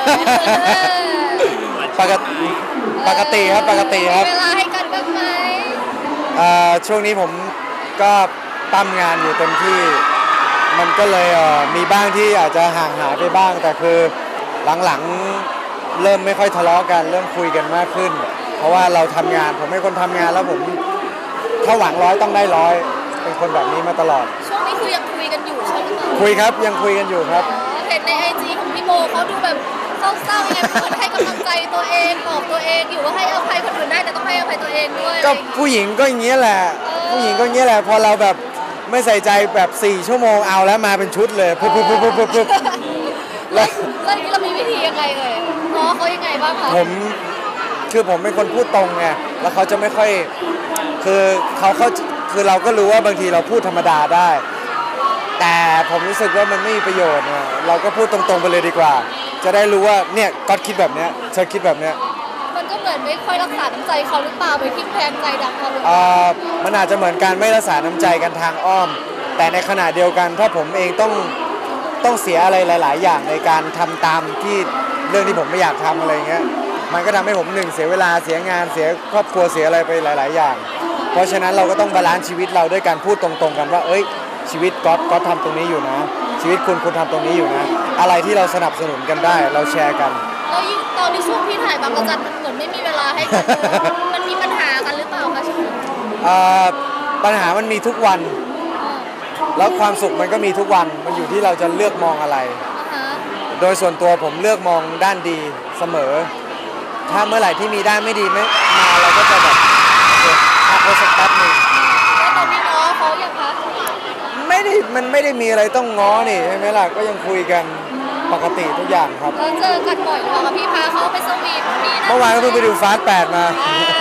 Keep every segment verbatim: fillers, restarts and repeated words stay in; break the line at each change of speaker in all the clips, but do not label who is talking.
ปกติปกติครับปกติครับ
เวลาให้กันบ้างไหม
ช่วงนี้ผมก็ตั้มงานอยู่เต็มที่มันก็เลยมีบ้างที่อาจจะห่างหายไปบ้างแต่คือหลังๆเริ่มไม่ค่อยทะเลาะกันเริ่มคุยกันมากขึ้นเพราะว่าเราทำงานผมเป็นคนทำงานแล้วผมถ้าหวังร้อยต้องได้ร้อยเป็นคนแบบนี้มาตลอด
ช่วงนี้คือยังคุยกันอยู่ใช่ไหมคะ
คุยครับยังคุยกันอยู่ครับ
เห็นในไอจีของพี่โบเขาดูแบบเศร้าๆยังไงเหมือนให้กำลังใจตัวเองบอกตัวเองอยู่ว่าให้อภัยคนอื่นได้แต่ต้องให้อภัยตัวเองด้วย
ก็ผู้หญิงก็อย่างนี้แหละผู้หญิงก็อย่างนี้แหละพอเราแบบไม่ใส่ใจแบบสี่ชั่วโมงเอาแล้วมาเป็นชุดเลยปุ๊บปุ๊บปุ๊บปุ๊บปุ๊บ
แล้วแล้วนี้เรามีวิธียังไงเลยง้อเขายังไงบ้างคะ
ผมคือผมเป็นคนพูดตรงไงแล้วเขาจะไม่ค่อยคือเขาเขาคือเราก็รู้ว่าบางทีเราพูดธรรมดาได้แต่ผมรู้สึกว่ามันไม่มีประโยชน์เนี่ยเราก็พูดตรงๆไปเลยดีกว่าจะได้รู้ว่าเนี่ยก๊อตคิดแบบเนี้ยเธอคิดแบบเนี้ย
มันก็เหมือนไม่ค่อยรักษาน้ำใจเขาหรือเปล่าไปทิ่มแทงใจดำเขาเลย
อ่ามันอาจจะเหมือนการไม่รักษาน้ำใจกันทางอ้อมแต่ในขณะเดียวกันถ้าผมเองต้องต้องเสียอะไรหลายๆอย่างในการทำตามที่เรื่องที่ผมไม่อยากทำอะไรเงี้ยมันก็ทำให้ผมหนึ่งเสียเวลาเสียงานเสียครอบครัวเสียอะไรไปหลายๆอย่างเพราะฉะนั้นเราก็ต้องบาลานซ์ชีวิตเราด้วยการพูดตรงๆกันว่าเอ้ยชีวิตก๊อตก๊อตทำตรงนี้อยู่นะชีวิตคุณคุณทำตรงนี้อยู่นะอะไรที่เราสนับสนุนกันได้เราแชร์กัน
แล้วยิ่งตอนที่ช่วงที่ถ่ายบางระจันมันเหมือนไม่มีเวลาให้กันมันมีปัญหากันหรือเปล่าคะช่วง
ปัญหามันมีทุกวันแล้วความสุขมันก็มีทุกวันมันอยู่ที่เราจะเลือกมองอะไรโดยส่วนตัวผมเลือกมองด้านดีเสมอถ้าเมื่อไหร่ที่มีด้านไม่ดีไม่มาเราก็จะแบบพักไว้สักแป๊บนึง
แล้วตอนนี้ง้อเขายังคะ
ไม่ได้มันไม่ได้มีอะไรต้องง้อนี่ใช่ไหมล่ะก็ยังคุยกันปกติทุกอย่างครับ
แล้วเจอกันบ่อยหรือเปล่าคะพี่พาเขาไปสวีทนี่นะ
เมื่อวานก็เพิ่งไปดูฟาสต์แปดมา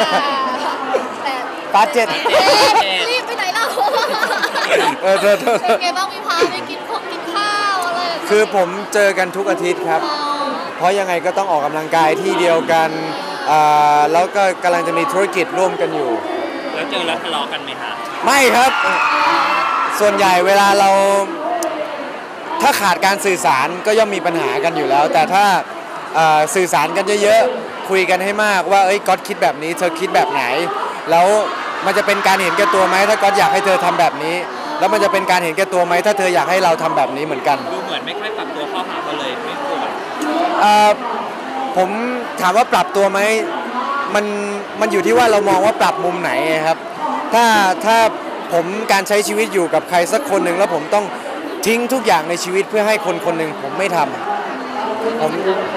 ฟาสต์เจ็ด
รีบไปไหนเล่า
เออเธอ
เป็นไงบ้างพี่พาไปกินข้าวกินข้าวอะไร
คือผมเจอกันทุกอาทิตย์ครับเพราะยังไงก็ต้องออกกำลังกายที่เดียวกันแล้วก็กำลังจะมีธุรกิจร่วมกันอยู่
แล้วเจอแล้วทะเลาะกันไหมคะ
ไม่ครับส่วนใหญ่เวลาเราถ้าขาดการสื่อสารก็ย่อมมีปัญหากันอยู่แล้วแต่ถ้าสื่อสารกันเยอะๆคุยกันให้มากว่าเอ้ยก๊อตคิดแบบนี้เธอคิดแบบไหนแล้วมันจะเป็นการเห็นแก่ตัวไหมถ้าก๊อตอยากให้เธอทำแบบนี้แล้วมันจะเป็นการเห็นแก่ตัวไหมถ้าเธออยากให้เราทำแบบนี้เหมือนกัน
ดูเหมือนไม่ค่อยปรับตัวเข้าหากันเลยไม่โกรธ
ผมถามว่าปรับตัวไหมมันมันอยู่ที่ว่าเรามองว่าปรับมุมไหนครับถ้าถ้าผมการใช้ชีวิตอยู่กับใครสักคนหนึ่งแล้วผมต้องทิ้งทุกอย่างในชีวิตเพื่อให้คนคนหนึ่งผมไม่ทำผม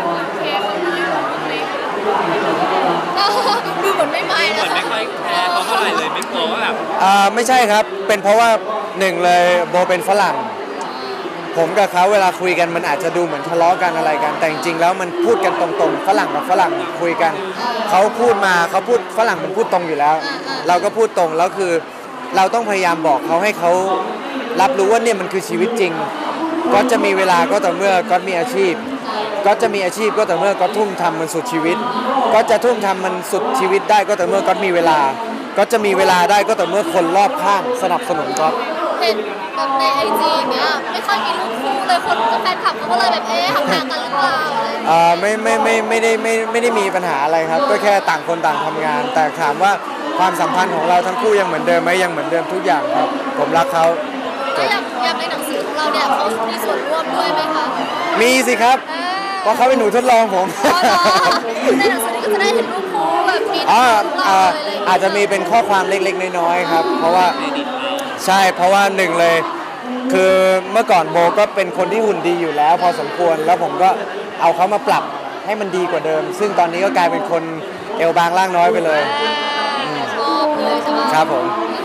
ดูเหมือนไม่ไม่
นะไม่ค่อยแคร์เขาเท่าไหร่เลยไม่กลัวว่าแบบ
อ่าไม่ใช่ครับเป็นเพราะว่าหนึ่งเลยโบเป็นฝรั่งผมกับเขาเวลาคุยกันมันอาจจะดูเหมือนทะเลาะกันอะไรกันแต่จริงๆแล้วมันพูดกันตรงๆฝรั่งกับฝรั่งคุยกันเขาพูดมาเขาพูดฝรั่งมันพูดตรงอยู่แล้วเราก็พูดตรงแล้วคือเราต้องพยายามบอกเขาให้เขารับรู้ว่าเนี่ยมันคือชีวิตจริงก็จะมีเวลาก็ต่อเมื่อก็มีอาชีพก็จะมีอาชีพก็ต่อเมื่อก็ทุ่มทำมันสุดชีวิตก็จะทุ่มทำมันสุดชีวิตได้ก็ต่อเมื่อก็มีเวลาก็จะมีเวลาได้ก็ต่อเมื่อคนรอบข้างสนับสนุนก็
เห็นแบบในไอจีเนี้ยไม่ค่อยมีรูปคู่เลยคนกับแฟนคลับเขาก็เลยแบบเอ๊ะห่างๆกันหรือเปล่า
อ่าไม่ไม่ไม่ไม่ได้ไม่ไม่ได้มีปัญหาอะไรครับก็แค่ต่างคนต่างทำงานแต่ถามว่าความสัมพันธ์ของเราทั้งคู่ยังเหมือนเดิมไหมยังเหมือนเดิมทุกอย่างครับผมรักเขา
แล้วอย่างอย่างในหนังสือของเราเนี่ยเขามีส่วนร่วมด้วยไหมคะ
มีสิครับเพราะเขาเป็นหนูทดลองผม
ในหนังสือนี้ก็จะได้เห็นรูปคู่แบบมี
อ๋ออาจจะมีเป็นข้อความเล็กๆน้อยๆครับเพราะว่าใช่เพราะว่าหนึ่งเลยคือเมื่อก่อนโบก็เป็นคนที่หุ่นดีอยู่แล้วพอสมควรแล้วผมก็เอาเขามาปรับให้มันดีกว่าเดิมซึ่งตอนนี้ก็กลายเป็นคนเอวบางร่างน้อยไปเลย
ชอบเลยใช่ไหม
ครับผม
เ